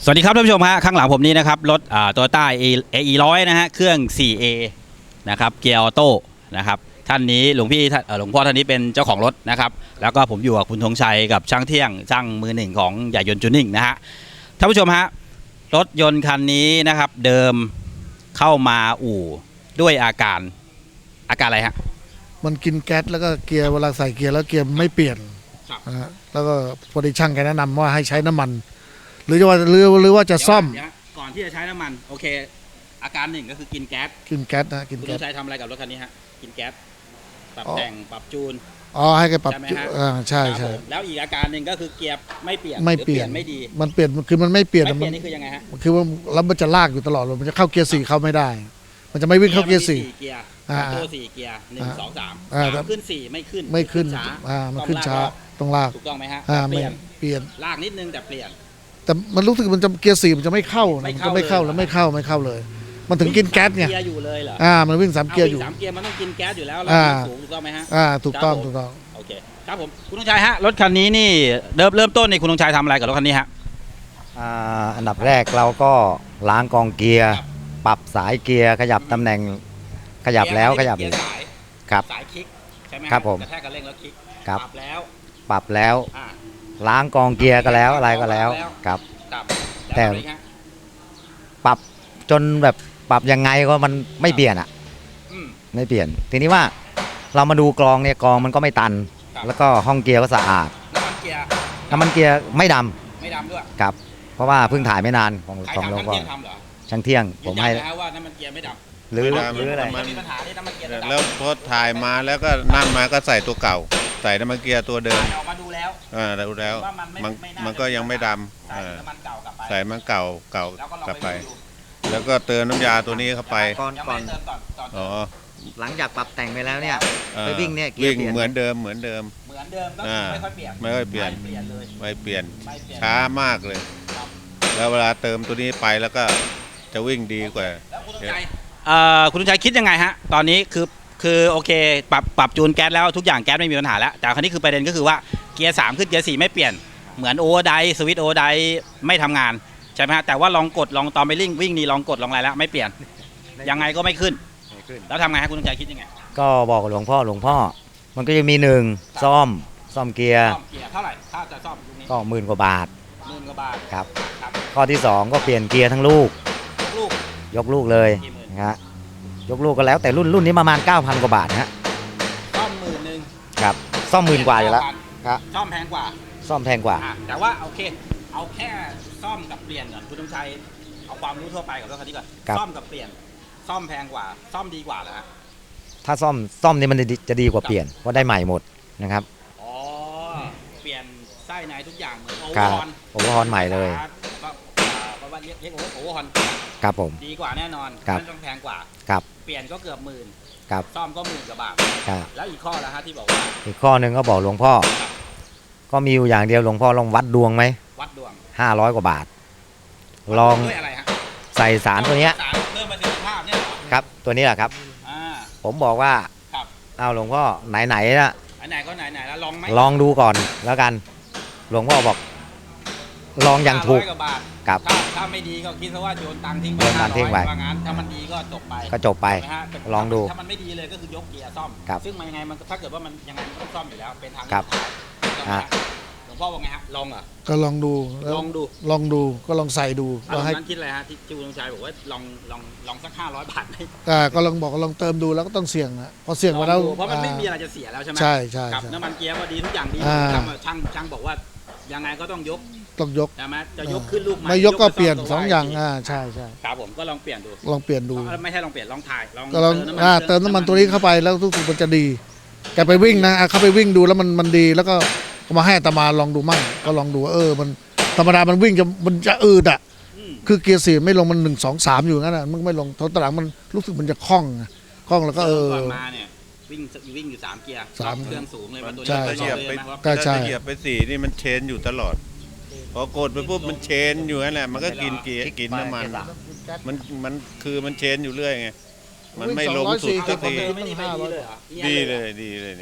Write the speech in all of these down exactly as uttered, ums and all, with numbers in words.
สวัสดีครับท่านผู้ชมฮะข้างหลังผมนี้นะครับรถอ่าโตโยต้าเออีร้อยนะฮะเครื่อง โฟร์ เอ นะครับเกียร์ออโต้นะครับท่านนี้หลวงพี่หลวงพ่อท่านนี้เป็นเจ้าของรถนะครับแล้วก็ผมอยู่กับคุณธงชัยกับช่างเที่ยงช่างมือหนึ่งของใหญ่ยนต์จูนิ่งนะฮะท่านผู้ชมฮะรถยนต์คันนี้นะครับเดิมเข้ามาอู่ด้วยอาการอาการอะไรฮะมันกินแก๊สแล้วก็เกียร์เวลาใส่เกียร์แล้วเกียร์ไม่เปลี่ยนนะฮะแล้วก็พอดีช่างแกแนะนำว่าให้ใช้น้ำมันหรือจะว่าหรือหรือว่าจะซ่อมก่อนที่จะใช้น้ำมันโอเคอาการหนึ่งก็คือกินแก๊สกินแก๊สนะกินคุณแก๊สใช้ทำอะไรกับรถคันนี้ฮะกินแก๊สปรับแต่งปรับจูนอ๋อให้แกปรับอ่าใช่ใช่แล้วอีกอาการหนึ่งก็คือเกียร์ไม่เปลี่ยนไม่เปลี่ยนไม่ดีมันเปลี่ยนคือมันไม่เปลี่ยนไม่เปลี่ยนนี่คือยังไงฮะคือว่าแล้วมันจะลากอยู่ตลอดเลยมันจะเข้าเกียร์สี่เข้าไม่ได้มันจะไม่วิ่งเข้าเกียร์สี่เกียร์ตัวสี่เกียร์หนึ่งสองสามสามขึ้นสี่ไม่ขึ้นไม่ขึ้นอ่ามันขึ้นช้าต้องลากถูกต้องไหมฮะอ่าเปลี่ยนเปลี่ยนลากนิดนึงแต่เปลี่ยนแต่มันรู้สึกมันจะเกียร์สี่มันจะไม่เข้ามันจะไม่เข้าแล้วไม่เข้าไม่เข้าเลยมันถึงกินแก๊สไงเกียร์อยู่เลยเหรออ่ามันวิ่งสามเกียร์อยู่สามเกียร์มันต้องกินแก๊สอยู่แล้วแล้วสูงถูกต้องไหมฮะอ่าถูกต้องถูกต้องโอเคครับผมคุณธงชัยฮะรถคันนี้นี่เริ่มเริ่มต้นในคุณธงชัยทำอะไรกับรถคันนี้ฮะอ่าอันดับแรกเราก็ล้างกองเกียร์ปรับสายเกียร์ขยับตำแหน่งขยับแล้วขยับอีกครับสายคลิกใช่ไหมครับผมกระแทกกันเร่งแล้วคลิกปรับแล้วปรับแล้วล้างกองเกียร์ก็แล้วอะไรก็แล้วครับแต่ปรับจนแบบปรับยังไงก็มันไม่เปลี่ยนอ่ะไม่เปลี่ยนทีนี้ว่าเรามาดูกรองเนี่ยกรองมันก็ไม่ตันแล้วก็ห้องเกียร์ก็สะอาดน้ำมันเกียร์น้ำมันเกียร์ไม่ดำไม่ดำด้วยครับเพราะว่าเพิ่งถ่ายไม่นานของของหลวงพ่อช่างเที่ยงผมให้ว่าน้ำมันเกียร์ไม่ดำหรือหรืออะไรมีปัญหาที่น้ำมันเกียร์แล้วพอถ่ายมาแล้วก็นั่นมาก็ใส่ตัวเก่าใส่น้ำมันเกียร์ตัวเดิมออกมาดูแล้วอ่าดูแล้วมันมันก็ยังไม่ดำใส่มันเก่าเก่ากลับไปแล้วก็เติมน้ำยาตัวนี้เข้าไปก่อนก่อนอ๋อหลังจากปรับแต่งไปแล้วเนี่ยไปวิ่งเนี่ยวิ่งเหมือนเดิมเหมือนเดิมเหมือนเดิมก็ไม่ค่อยเปลี่ยนไม่ค่อยเปลี่ยนไม่เปลี่ยนช้ามากเลยแล้วเวลาเติมตัวนี้ไปแล้วก็จะวิ่งดีกว่าคุณลุงชัยคิดยังไงฮะตอนนี้คือคือโอเคปรับปรับจูนแก๊สแล้วทุกอย่างแก๊สไม่มีปัญหาแล้วแต่คราวนี้คือประเด็นก็คือว่าเกียร์สามขึ้นเกียร์สี่ไม่เปลี่ยนเหมือนโอเวอร์ไดสวิตช์โอเวอร์ไดไม่ทำงานใช่ไหมฮะแต่ว่าลองกดลองตอนไปวิ่งวิ่งนี่ลองกดลองอะไรแล้วไม่เปลี่ยนยังไงก็ไม่ขึ้นแล้วทำไงฮะคุณลุงชัยคิดยังไงก็บอกหลวงพ่อหลวงพ่อมันก็จะมีหนึ่งซ่อมซ่อมเกียร์เท่าไหร่ถ้าจะซ่อมก็หมื่นกว่าบาทหมื่นกว่าบาทครับข้อที่สองก็เปลี่ยนเกียร์ทั้งลูกยกลูกเลยนะฮะยกลูกก็แล้วแต่รุ่นรุ่นนี้ประมาณ เก้าพัน กว่าบาทนะฮะซ่อมหมื่นหนึ่งครับซ่อมหมื่นกว่าอยู่แล้วครับซ่อมแพงกว่าซ่อมแพงกว่าแต่ว่าโอเคเอาแค่ซ่อมกับเปลี่ยนก่อนคุณธงชัยเอาความรู้ทั่วไปกับรถคันนี้ก่อนซ่อมกับเปลี่ยนซ่อมแพงกว่าซ่อมดีกว่าเหรอฮะถ้าซ่อมซ่อมนี่มันจะดีกว่าเปลี่ยนเพราะได้ใหม่หมดนะครับอ๋อเปลี่ยนไส้ในทุกอย่างเหมือนโอเวอร์ฮอนโอเวอร์ฮอนใหม่เลยก็ว่าเรียกเรียกโอเวอร์ฮอนครับผมดีกว่าแน่นอนไม่ต้องแพงกว่าครับเปลี่ยนก็เกือบหมื่นครับซ่อมก็หมื่นกว่าบาทครับแล้วอีกข้อละฮะที่บอกว่าอีกข้อหนึ่งก็บอกหลวงพ่อก็มีอยู่อย่างเดียวหลวงพ่อลองวัดดวงไหมวัดดวงห้าร้อยกว่าบาทลองใส่สารตัวนี้เพิ่มประสิทธิภาพเนี่ยครับตัวนี้แหละครับผมบอกว่าเอาหลวงพ่อไหนไหนนะไหนก็ไหนไหนแล้วลองไหมลองดูก่อนแล้วกันหลวงพ่อบอกลองอย่างถูกครับถ้าไม่ดีก็คิดซะว่าโยนตังทิ้งไปโยนตังทิ้งไปว่างั้นถ้ามันดีก็จบไปก็จบไปลองดูถ้ามันไม่ดีเลยก็คือยกเกียร์ซ่อมซึ่งมันยังไงมันถ้าเกิดว่ามันยังไงมันต้องซ่อมอยู่แล้วเป็นทางหลวงพ่อว่าไงฮะลองอ่ะก็ลองดูลองดูลองดูก็ลองใส่ดูเราให้คิดอะไรฮะที่จูนชัยบอกว่าลองลองลองสักห้าร้อยบาทไหมอ่าก็ลองบอกลองเติมดูแล้วก็ต้องเสี่ยงนะพอเสี่ยงมาแล้วเพราะมันไม่มีอะไรจะเสียแล้วใช่ไหมใช่ใช่น้ำมันเกียร์ก็ดีทุกอย่างดีช่างช่างบอกว่ายังไงก็ต้องยกต้องยกใช่ไหมจะยกขึ้นลูกไม่ยกก็เปลี่ยนสองอย่างอ่าใช่ใช่ครับผมก็ลองเปลี่ยนดูลองเปลี่ยนดูไม่ใช่ลองเปลี่ยนลองถ่ายลองก็ลองอ่าเติมน้ำมันตัวนี้เข้าไปแล้วทุกสิ่งมันจะดีแกไปวิ่งนะเขาไปวิ่งดูแล้วมันมันดีแล้วก็มาให้อาตมาลองดูมั่งก็ลองดูเออมันธรรมดามันวิ่งจะมันจะอืดอ่ะคือเกียร์สี่ไม่ลงมันหนึ่งสองสามอยู่งั้นอ่ะมันไม่ลงตอนหลังมันรู้สึกมันจะคล่องคล่องแล้วก็เออมาเนี่ยวิ่งวิ่งอยู่สามเกียร์สามเครื่องสูงเลยมันตัวนี้เหยียบไปใช่เหยียบไปสี่นี่มันเชนอยู่ตลอดพอกดไปปุ๊บมันเชนอยู่นั่นแหละมันก็กินเกียร์กินน้ำมันมันมันคือมันเชนอยู่เรื่อยไงมันไม่ลงสุดสักทีดีเลยดีเลยเนี่ย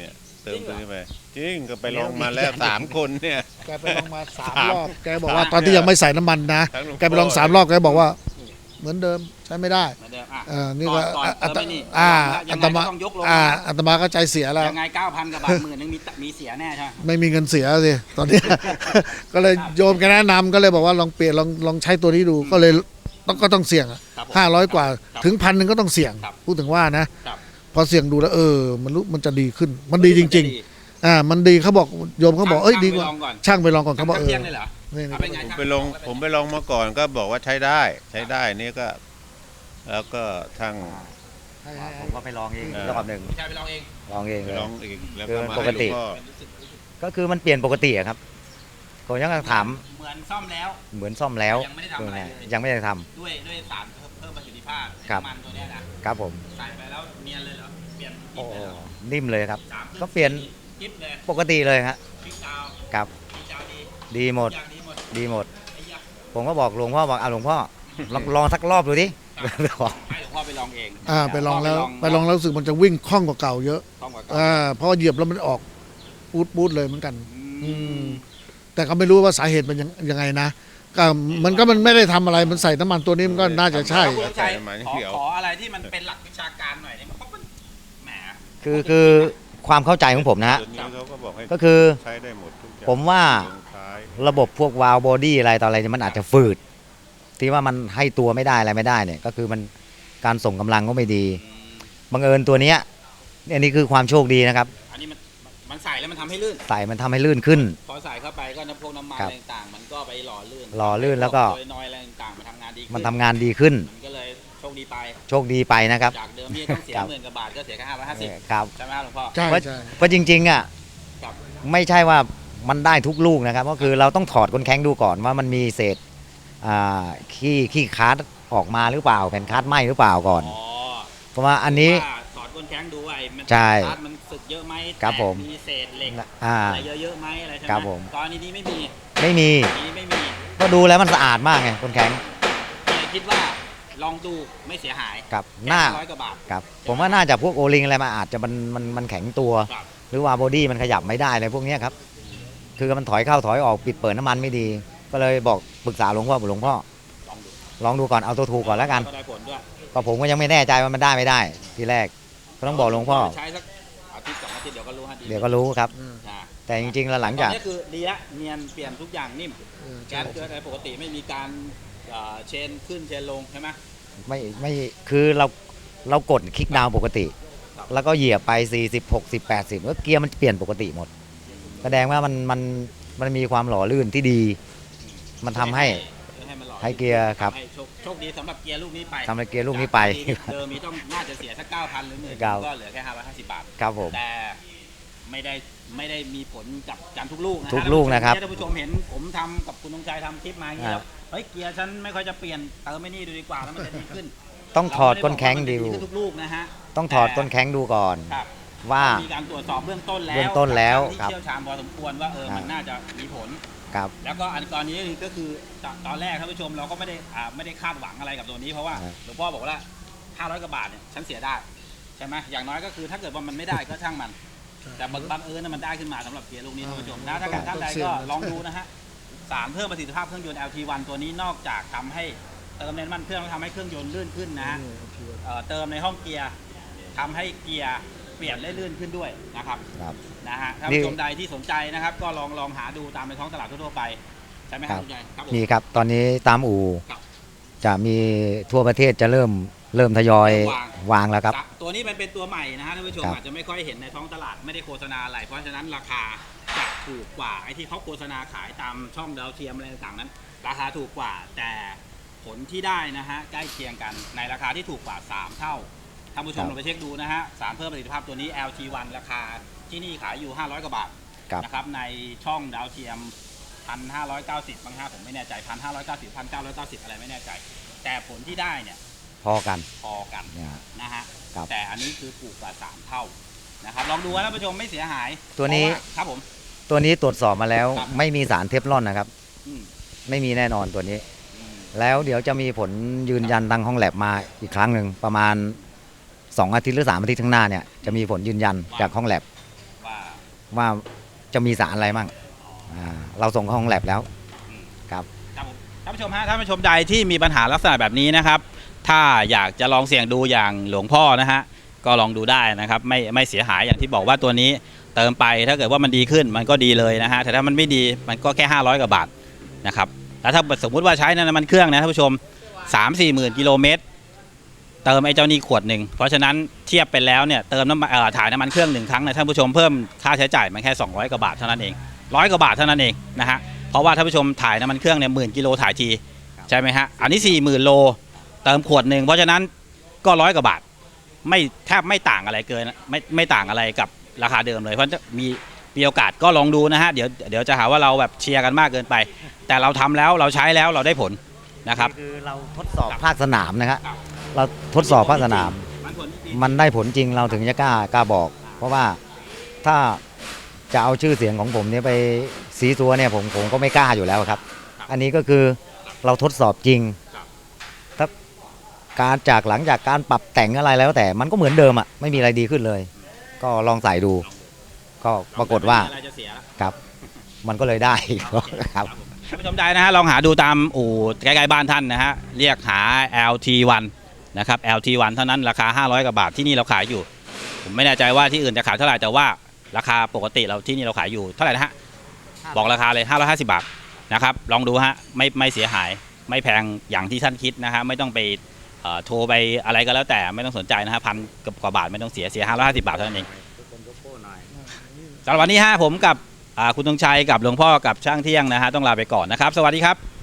เติมตัวนี้ไปจริงก็ไปลองมาแล้วสามคนเนี่ยแกไปลองมาสามรอบแกบอกว่าตอนที่ยังไม่ใส่น้ำมันนะแกไปลองสามรอบแกบอกว่า เหมือนเดิมใช้ไม่ได้เหมือนเดิมอ่ะเออนี่ก็ก่อนอัเติตมไม่นี่อ่ายัอังตไงมาก็ต้องยกลงอ่านะอัตมาก็ใจเสียแล้วยังไงเก้าพันกับบาทหมื่นนึงมีมีเสียแน่ใช่ไหมไม่มีเงินเสียสิตอนนี้ ก็เลยโยมแกแนะนำก็เลยบอกว่าลองเปลี่ยนลองลองใช้ตัวนี้ดูก็เลยต้องก็ต้องเสี่ยงครับผมห้าร้อยกว่าครับถึงพันหนึ่งก็ต้องเสี่ยงครับพูดถึงว่านะครับ พอเสี่ยงดูแล้วเออ มันรู้มันจะดีขึ้น มันดีจริง ๆ อ่า มันดีเขาบอกโยมเขาบอกเอ้ยดีกว่าช่างไปลองก่อนช่างไปลองก่อนเขาบอกเออเที่ยงเลยเหรอนี่เอาไปไงผมไปลงผมไปลองมาก่อนก็บอกว่าใช้ได้ใช้ได้นี่ก็ แล้วก็ทั้งผมก็ไปลองเองเออรอบหนึ่งใช่ไปลองเองลองเองไปเลยลองอีกแล้วคืก็อมาปให้กหลติวงพ่อก็คือมันเปลี่ยนปกติอะครับผมยังถามเหมือนซ่อมแล้วเหมือนซ่อมแล้วยังไม่ได้ทำอะไรเลยยังไม่ได้ทำด้วยด้วยสารเพิ่มประสิทธิภาพครับน้ำมันตัวเนี้ยนะครับผมใส่ไปแล้วเนียนเลยเหรอเปลี่ยนโอ้กิ๊บเลยเหรอนิ่มเลยครับสามครึ่งก็เปลี่ยนกิ๊บเลยปกติเลยครับพริกดาวครับพริกดาวดีดีหมดอย่างดีหมดดีหมดไอ้ยะผมก็บอกหลวงพ่อบอกเอาหลวงพ่อลองลองสักรอบดูดิ บอกให้หลวงพ่อไปลองเองอ่าไปลองแล้วพ่ไปลองแล้วรู้สึกมันจะวิ่งคล่องกว่าเก่าเยอะต้องกว่าอ่าเพราะว่าเหยียบแล้วมันออกปูดปูดเลยเหมือนกันอือืมมแต่ก็ไม่รู้ว่าสาเหตุมันยังยังไงนะก็มันก็มันไม่ได้ทำอะไรมันใส่น้ำมันตัวนี้มันก็น่าจะใช่แล้วคุณชัยใส่มาขอเดี๋ยวขออะไรที่มันเป็นหลักวิชาการหน่อยได้ไหมเพราะมันแหมคือคือความเข้าใจของผมนะฮะตัวนี้เขาก็บอกให้ก็คือใช้ได้หมดทุกอย่างผมว่าลงท้ายระบบพวกวาล์วบอดี้อะไรต่ออะไรเนี่ยมันอาจจะฝืด ที่ว่ามันให้ตัวไม่ได้อะไรไม่ได้เนี่ยก็คือมันการส่งกำลังก็ไม่ดีบังเอิญตัวเนี้ยอันนี้คือความโชคดีนะครับอันนี้มันมันใส่แล้วมันทำให้ลื่นใส่มันทำให้ลื่นขึ้นพอใส่เข้าไปก็น้ำพวกน้ำมันครับอะไรต่างๆมันก็ไปหล่อลื่นหล่อลื่นแล้วก็โดยน้อยอะไรต่างๆมันทำงานดีขึ้มันทำงานดีขึ้นมันก็เลยโชคดีไปโชคดีไปนะครับจากเดิมที่ต้องเสียครับหมื่นกว่าบาทก็เสียแค่ห้าร้อยห้าสิบครับใช่ไหมครับหลวงพ่อใช่เพราะใช่เพราะจริงๆอ่ะครับไม่ใช่ว่ามันได้ทุกลูกนะครับก็คือเราต้องถอดก้นแข้งดูก่อนว่ามันมีเศษอ่าขี้ขี้คาร์ดออกมาหรือเปล่าแผ่นคาร์ดไหมหรือเปล่าก่อนอ๋อเพราะว่าอันนี้ว่าถอดก้นแข้งดูไอ้มันใช่คาร์ดมันสึกเยอะไหมครับแตกผมมีเศษเหล็กอ่าอะไรเยอะๆไหมอะไรใช่ไหมครับผมตอนนี้นี่ไม่มีไม่มีนี้ไม่มีก็ดูแล้วมันสะอาดมากไงก้นแข้งเลยคิดว่าลองดูไม่เสียหายกับหน้าร้อยกว่าบาทครับผมว่าน่าจะพวกโอลิงอะไรมาอาจจะมันมันมันแข็งตัวครับหรือว่าบอดี้มันขยับไม่ได้อะไรพวกเนี้ยครับคือมันถอยเข้าถอยออกปิดเปิดน้ำมันไม่ดี ก็เลยบอกปรึกษาหลวงพ่อบอกหลวงพ่อลองดูลองดูก่อนเอาตัวถูกก่อนแล้วกันก็ได้ผลด้วยก็ผมก็ยังไม่แน่ใจว่ามันได้ไม่ได้ ทีแรกก็ต้องบอกหลวงพ่อใช้สักอาทิตย์สองอาทิตย์เดี๋ยวก็รู้ฮะดีเดี๋ยวก็รู้ครับอ่าแต่จริงๆแล้วหลังตอจาน กนี้คือดีละเนียนเปลี่ยนทุกอย่างนิ่มเออแก๊สเกิดอะไรปกติไม่มีการเอ่อเชนขึ้นเชนลงใช่ไหมไม่ไม่คือเราเรากดคลิกดาวน์ปกติครับแล้วก็เหยียบไปสี่สิบ หกสิบ แปดสิบแล้วเกียร์มันเปลี่ยนปกติหมด แสดงว่ามันมันมันมีความหล่อลื่นที่ดี มันทำให้ให้มันหล่อให้เกียร์ครับให้โชคโชคดีสำหรับเกียร์ลูกนี้ไปทำให้เกียร์ลูกนี้ไปจากเดิมมีต้องน่าจะเสียสักเก้าพันหรือหมื่นครับก็เหลือแค่ห้าร้อยห้าสิบบาทครับผมแต่ไม่ได้ไม่ได้มีผลกับการทุกลูกนะฮะทุกลูกนะครับท่านผู้ชมเห็นผมทำกับคุณธงชัยทำคลิปมาอย่างนี้คแล้รัวบเฮ้ยเกียร์ฉันไม่ค่อยจะเปลี่ยนเติมไม่นี่ดูดีกว่าแล้วมันจะดีขึ้นต้องถอดก้นแข้งเราไม่ดูไบอกว่ามันจะขึ้นทุกลูกนะฮะต้องถอดก้นแข้งดูก่อนครับว่ามีการตรวจสอบเบื้องต้นแล้วเบื้องต้นแล้วที่ครับเชี่ยวชาญพอสมควรว่าเออครับมันน่าจะมีผลครับแล้วก็อันกรณีนี้ก็คือตตอนแรกท่านผู้ชมเราก็ไม่ได้อ่าไม่ได้คาดหวังอะไรกับตัวนี้เพราะว่าครับหลวงพ่อบอกว่าห้าร้อยกว่าบาทเนี่ยฉันเสียได้ใช่ไหมอย่างน้อยก็คือถ้าเกิดว่ามันไม่ได้ก็ช่างมัน แต่บังบังเอิญนะมันได้ขึ้นมาสำหรับเกียร์ลูกนี้ท่านผู้ชมนะถ้าเกิดท่านใดก็ลองดูนะฮะสารเพิ่มประสิทธิภาพเครื่องยนต์ แอล ที วัน ตัวนี้นอกจากทำให้เติมน้ำมันเครื่องแล้วทำให้เครื่องยนต์ลื่นขึ้นนะฮะเอ่อเติมในห้องเกียร์ทำให้เกียร์เปลี่ยนได้ลื่นขึ้นด้วยนะครับครับนะฮะท่านนี่ผู้ชมใดที่สนใจนะครับ ก็ลองลองหาดูตามในท้องตลาดทั่วๆไปใช่ไหมครับครับคุณยายครับผมมีครับตอนนี้ตามอู่ครับจะมีทั่วประเทศจะเริ่มเริ่มทยอยวางวางแล้วครับตัวนี้มันเป็นตัวใหม่นะฮะท่านผู้ชมครับอาจจะไม่ค่อยเห็นในท้องตลาดไม่ได้โฆษณาอะไรเพราะฉะนั้นราคาจะถูกกว่าไอ้ที่เขาโฆษณาขายตามช่องดาวเทียมอะไรต่างๆนั้น ราคาถูกกว่าแต่ผลที่ได้นะฮะใกล้เคียงกันในราคาที่ถูกกว่าสามเท่าท่านผู้ชมครับลองไปเช็คดูนะฮะสารเพิ่มประสิทธิภาพตัวนี้ แอล ที วัน ราคาที่นี่ขายอยู่ห้าร้อยกว่าบาทครับนะครับในช่องดาวเทียม หนึ่งพันห้าร้อยเก้าสิบ บางห้าผมไม่แน่ใจ หนึ่งพันห้าร้อยเก้าสิบ หนึ่งพันเก้าร้อยเก้าสิบ อะไรไม่แน่ใจ แต่ผลที่ได้เนี่ยพอกันพอกันเนี่ยนะฮะครับแต่อันนี้คือถูกกว่าสามเท่านะครับลองดูนะท่านผู้ชมไม่เสียหายตัวนี้เพราะาครับผมตัวนี้ตรวจสอบมาแล้วครับไม่มีสารเทฟลอนนะครับอืมไม่มีแน่นอนตัวนี้อืมแล้วเดี๋ยวจะมีผลยืนยันทางห้องแลบมาอีกครั้งหนึ่งประมาณสองอาทิตย์หรือสามอาทิตย์ข้างหน้าเนี่ยจะมีผลยืนยันจากห้องแลบว่าว่าจะมีสารอะไรมั่งอ่าเราส่งเข้าห้องแลบแล้วครับครับผมท่านผู้ชมฮะท่านผู้ชมใดที่มีปัญหาลักษณะแบบนี้นะครับ ถ้าอยากจะลองเสี่ยงดูอย่างหลวงพ่อนะฮะก็ลองดูได้นะครับไม่ไม่เสียหายอย่างที่บอกว่าตัวนี้เติมไปถ้าเกิดว่ามันดีขึ้นมันก็ดีเลยนะฮะแต่ถ้ามันไม่ดีมันก็แค่ห้าร้อยกว่าบาทนะครับแล้วถ้าสมมุติว่าใช้น้ำมันเครื่องนะท่านผู้ชม สามสี่หมื่นกิโลเมตรเติมไอ้เจ้านี่ขวดหนึ่งเพราะฉะนั้นเทียบไปแล้วเนี่ยเติมน้ำมันเอ่อถ่ายน้ำมันเครื่องหนึ่งครั้งนะท่านผู้ชมเพิ่มค่าใช้จ่ายมันแค่สองร้อยกว่าบาทเท่านั้นเองร้อยกว่าบาทเท่านั้นเองนะฮะเพราะว่าท่านผู้ชมถ่ายน้ำมันเครื่องเนี่ยหมื่นกิโลถ่ายทีใช่ไหมฮะอันนี้สี่หมื่นโลเติมขวดหนึ่งเพราะฉะนั้นก็ร้อยกว่าบาทไม่แทบไม่ต่างอะไรเกินไม่ไม่ต่างอะไรกับราคาเดิมเลยเพราะจะมีมีโอกาสก็ลองดูนะฮะเดี๋ยวเดี๋ยวจะหาว่าเราแบบเชียร์กันมากเกินไป แต่เราทำแล้วเราใช้แล้วเราได้ผลนะครับคือเราทดสอบภาคสนามนะครับเราทดสอบภาคสนาม มันได้ผลจริงเราถึงจะกล้ากล้าบอก เพราะว่าถ้าจะเอาชื่อเสียงของผมเนี่ยไปสีตัวเนี่ยผมผมก็ไม่กล้าอยู่แล้วครับ อันนี้ก็คือเราทดสอบจริงถ้าการจากหลังจากการปรับแต่งอะไรแล้วแต่มันก็เหมือนเดิมอ่ะไม่มีอะไรดีขึ้นเลย ก็ลองใส่ดู ก็ปรากฏว่าครับมันก็เลยได้ ครับท่านผู้ชมใดนะฮะลองหาดูตามอู่ใกล้ๆบ้านท่านนะฮะเรียกหา แอล ที วัน นะครับ แอล ที วัน เท่านั้นราคาห้าร้อยกว่าบาทที่นี่เราขายอยู่ผมไม่แน่ใจว่าที่อื่นจะขายเท่าไหร่แต่ว่าราคาปกติเราที่นี่เราขายอยู่เท่าไหร่นะฮะบอกราคาเลยห้าร้อยห้าสิบบาทนะครับลองดูฮะไม่ไม่เสียหายไม่แพงอย่างที่ท่านคิดนะฮะไม่ต้องไปเอ่อโทรไปอะไรก็แล้วแต่ไม่ต้องสนใจนะฮะพันกว่าบาทไม่ต้องเสียเสียห้าร้อยห้าสิบบาทเท่านั้นเองสำหรับวันนี้ฮะผมกับอ่าคุณธงชัยกับหลวงพ่อกับช่างเที่ยงนะฮะต้องลาไปก่อนนะครับสวัสดีครับ